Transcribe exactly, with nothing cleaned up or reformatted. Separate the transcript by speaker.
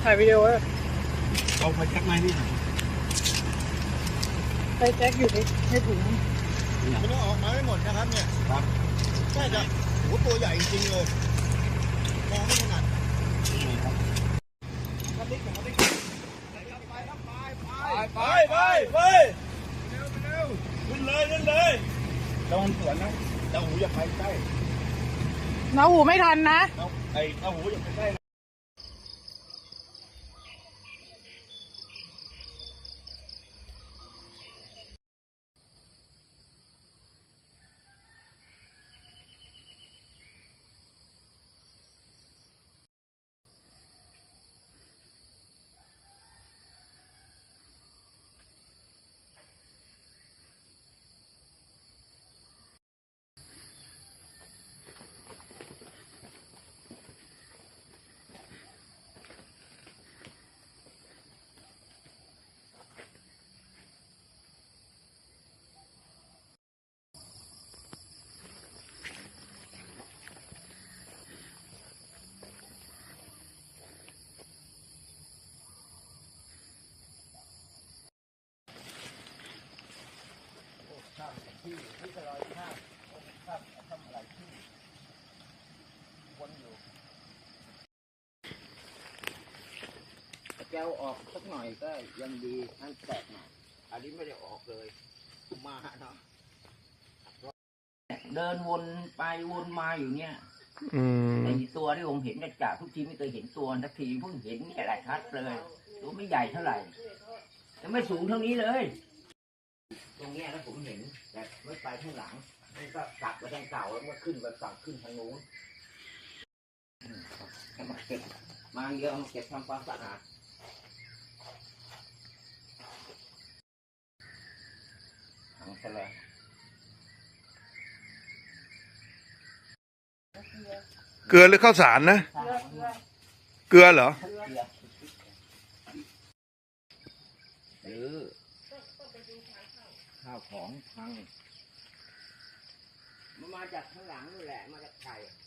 Speaker 1: ถ่ายวิดีโอเลย
Speaker 2: เอาไปแจ็คไหมนี่
Speaker 1: ไปแจ็คอยู่ในในถุง
Speaker 3: มันต้องออกมาไม่หมดนะครับเนี่ยครับใช่จ้ะโหตัวใหญ่จริงเลยมองไม่ถนัด
Speaker 2: ไปไปไปเร็วเร็วขึ้นเลยขึ้นเลยโดนสวนนะเจ้าหูอย่าไปใกล้
Speaker 1: น้าหูไม่ทันนะ
Speaker 2: ไอ้เจ้าหูอย่าไปใกล้ที่ที่จะลอยข้ามข้ามทำอะไรที่วนอยู่
Speaker 4: แก้วออกสักหน่อยก็ยังดีนั่นแตกหน่อยอันนี้ไม่ได้ออกเลยมาเนาะเดินวนไปวนมาอยู่เนี่ยไอตัวที่ผมเห็นจากทุกทีไม่เคยเห็นตัวสักทีเพิ่งเห็นแค่หลายชัดเลยตัวไม่ใหญ่เท่าไหร่แต่ไม่สูงเท่านี้เลยตรงนี้แล้วผมเห็นแต่ไม่ไปข้างหลังมันก็กลับไปทางเก่าแล้วก็ขึ้นไปฝั่งขึ้นทางนู้นมาเก็บมาเยอะมาเก็บทำความสะอาดถังเสร็จแล้ว
Speaker 5: เกลือหรือข้าวสารนะเกลือเหรอ
Speaker 4: หรือข้าวของพังมันมาจากข้างหลังนี่แหละมาจากไข่